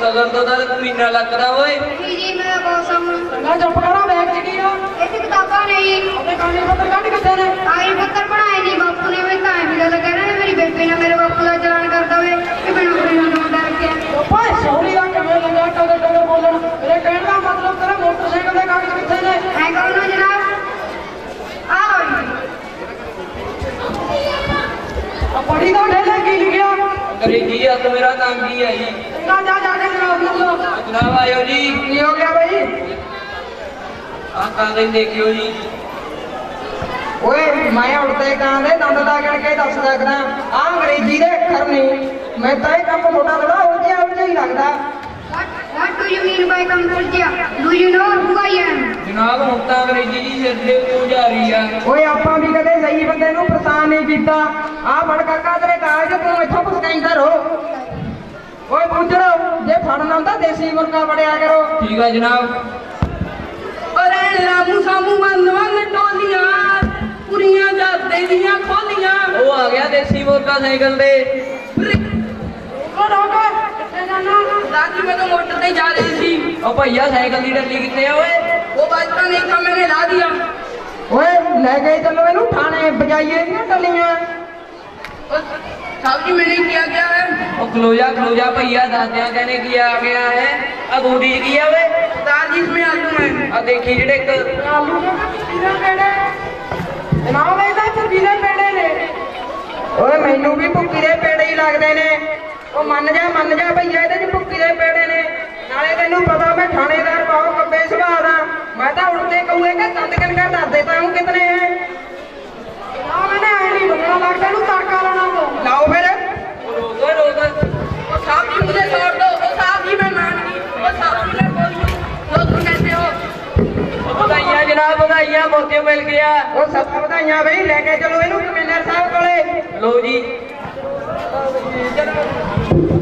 ਸ਼ਗਨ ਤੋਂ ਤਾਂ ਮਹੀਨਾ ਲੱਗਦਾ ਓਏ। ਜੀ ਮੈਂ ਬਹੁਤ ਸਮਝ ਚੰਗਾ ਚੁੱਪ ਕਰੋ, ਬੈਗ ਚ ਕੀ ਆ? ਇਹ 'ਚ ਕਿਤਾਬਾਂ ਨਹੀਂ ਉਹਦੇ ਕਾਗਜ਼ ਪੱਤਰ ਕੱਢ ਕਿੱਥੇ ਨੇ? ਕਾਗਜ਼ ਪੱਤਰ ਬਣਾਏ ਨਹੀਂ ਬਾਪੂ ਨੇ। ਮੈਂ ਤਾਂ ਐਵੇਂ ਗੱਲ ਕਹਿ ਰਿਹਾ ਮੇਰੀ ਬੇਬੇ ਨੇ ਮੇਰੇ ਬਾਪੂ ਦਾ ਚਲਾਨ ਕਰਦਾ ਹੋਵੇ ਕਿ ਮੈਨੂੰ ਆਪਣੇ ਨਾਲ ਮੁੰਡਾ ਰੱਖਿਆ। ਓਏ ਸੌਰੀ ਦਾ ਕਿਵੇਂ ਲੰਗਾ ਟੋਲੇ ਬੋਲਣ? ਮੇਰੇ ਕਹਿਣ ਦਾ ਮਤਲਬ ਤੇਰੇ ਮੋਟਰਸਾਈਕਲ ਦੇ ਕਾਗਜ਼ ਕਿੱਥੇ ਨੇ? ਐ ਕਹੋ ਨਾ ਜਨਾਬ, ਆ ਲਓ ਜੀ। ਆ ਪੜੀ ਤਾਂ ਢੇਲੇ ਕੀ ਲਿਖਿਆ? ਅੰਗਰੇਜ਼ੀ ਆ ਤਾਂ ਮੇਰਾ ਨਾਮ ਕੀ ਹੈ ਜੀ? ਚੰਗਾ ਜਾ ਕੇ ਜਨਾਬ ਨੂੰ ਲੋ। ਜਨਾਬ ਆਇਓ ਜੀ। ਕੀ ਹੋ ਗਿਆ ਬਈ? ਆਹ ਕਾਗਜ਼ ਦੇਖਿਓ ਜੀ। ਓਏ ਮੈਂ ਉਲਟੇ ਕਾਂ ਦੇ ਦੰਦ ਦਾ ਗਿਣ ਕੇ ਦੱਸ ਸਕਦਾ। ਆ ਅੰਗਰੇਜ਼ੀ ਦੇ ਅੱਖਰ ਨਹੀਂ। ਮੈਂ ਤਾਂ ਇਹ ਕੰਮ ਥੋੜਾ ਥੋੜਾ ਉਲਝਿਆ ਹੀ ਲੱਗਦਾ। What do you mean by computer? Do you know who I am? ਜਨਾਬ ਹੁਣ ਤਾਂ ਅੰਗਰੇਜ਼ੀ ਜੀ ਸਿਰ ਦੇ ਉੱਤੋਂ ਜਾ ਰਹੀ ਆ। ਓਏ ਆਪਾਂ ਵੀ ਕਦੇ ਸਹੀ ਬੰਦੇ ਨੂੰ ਪਰੇਸ਼ਾਨ ਨਹੀਂ ਕੀਤਾ। ਆ ਫੜ ਕਾਕਾ ਤੇਰੇ ਕਾਗਜ਼, ਤੂੰ ਇੱਥੋਂ ਪਸਕਾਈਂਦਾ ਰਹੋ। ਓਏ ਬੁੱਝੜੋ, ਜੇ ਫੜਨਾ ਹੁੰਦਾ ਦੇਸੀ ਮੁਰਗਾ ਫੜਿਆ ਕਰੋ। ਠੀਕ ਆ ਜਨਾਬ। ਓਰੇ ਰਾਮੂ ਸਾਮੂ ਮੰਨਵਨ ਟੋਲੀਆਂ ਪੁਰੀਆਂ ਜਾਂਦੇ ਦੀਆਂ ਖੋਲੀਆਂ। ਉਹ ਆ ਗਿਆ ਦੇਸੀ ਮੁਰਗਾ ਸਾਈਕਲ ਤੇ। ਰੋਕ ਕਿੱਥੇ ਜਾਣਾ? दादी मैं तो मोटर पे जा रही थी। ਉਹ ਭਈਆ ਸਾਈਕਲ ਦੀ ਡੱਲੀ ਕਿੱਥੇ ਆ ਓਏ? वो बचता नहीं था, मैंने ला दिया। ਓਏ ਲੈ ਕੇ ਚੱਲੋ ਇਹਨੂੰ ਥਾਣੇ, ਬਜਾਈਏ ਦੀਆਂ ਟੱਲੀਆਂ। और साहब जी मैंने किया क्या है? ਉਹ ਖਲੋ ਜਾ ਭਈਆ, ਦੱਸਦਿਆਂ ਕਹਿੰਦੇ ਕੀ ਆ ਗਿਆ ਹੈ। ਆ ਗੋਡੀ ਚ ਕੀ ਆ ਓਏ? दादी इसमें आलू है। ਆ ਦੇਖੀ ਜਿਹੜੇ ਇੱਕ ਆਲੂ ਦੇ ਵੀਰੇ ਪੇੜੇ ਜਨਾਬ, ਇਹਦਾ ਤੇ ਵੀਰੇ ਪੇੜੇ ਨੇ। ਓਏ ਮੈਨੂੰ ਵੀ ਭੁੱਕੀ ਦੇ ਪੇੜੇ ਹੀ ਲੱਗਦੇ ਨੇ। ਉਹ ਮੰਨ ਜਾ ਭਈਆ, ਇਹਦੇ ਚ ਭੁੱਕੀ ਦੇ ਪੇੜੇ ਨੇ। ਨਾਲੇ ਤੈਨੂੰ ਪਤਾ ਮੈਂ ਥਾਣੇਦਾਰ ਬਹੁਤ ਕੱਬੇ ਸੁਭਾਅ ਦਾ। ਮੈਂ ਤਾਂ ਉੜਦੇ ਕਹੂਏ ਕਿ ਦੰਦ ਕਿੰਨਾ ਦੱਸ ਦੇਤਾ ਹੂੰ ਕਿਤਨੇ ਹੈ। ਨਾ ਮੈਨੇ ਐ ਨਹੀਂ ਬੰਨਣਾ, ਲੱਗਦਾ ਇਹਨੂੰ ਤੜਕਾ ਲਾਉਣਾ ਪਊ। ਲਾਓ ਫਿਰ। ਰੋਕ। और साहब जी मुझे छोड़ दो। और साहब जी मैं मान गई। और साहब जी मैं बोल गई। तो तुम कैसे हो? ਵਧਾਈਆਂ ਜਨਾਬ, ਵਧਾਈਆਂ, ਮੌਕੇ ਮਿਲ ਗਿਆ। ਉਹ ਸਭ ਵਧਾਈਆਂ ਬਈ, ਲੈ ਕੇ ਚਲੋ ਇਹਨੂੰ ਕਮਿਸ਼ਨਰ ਸਾਹਿਬ ਕੋਲੇ। ਲੋ ਜੀ।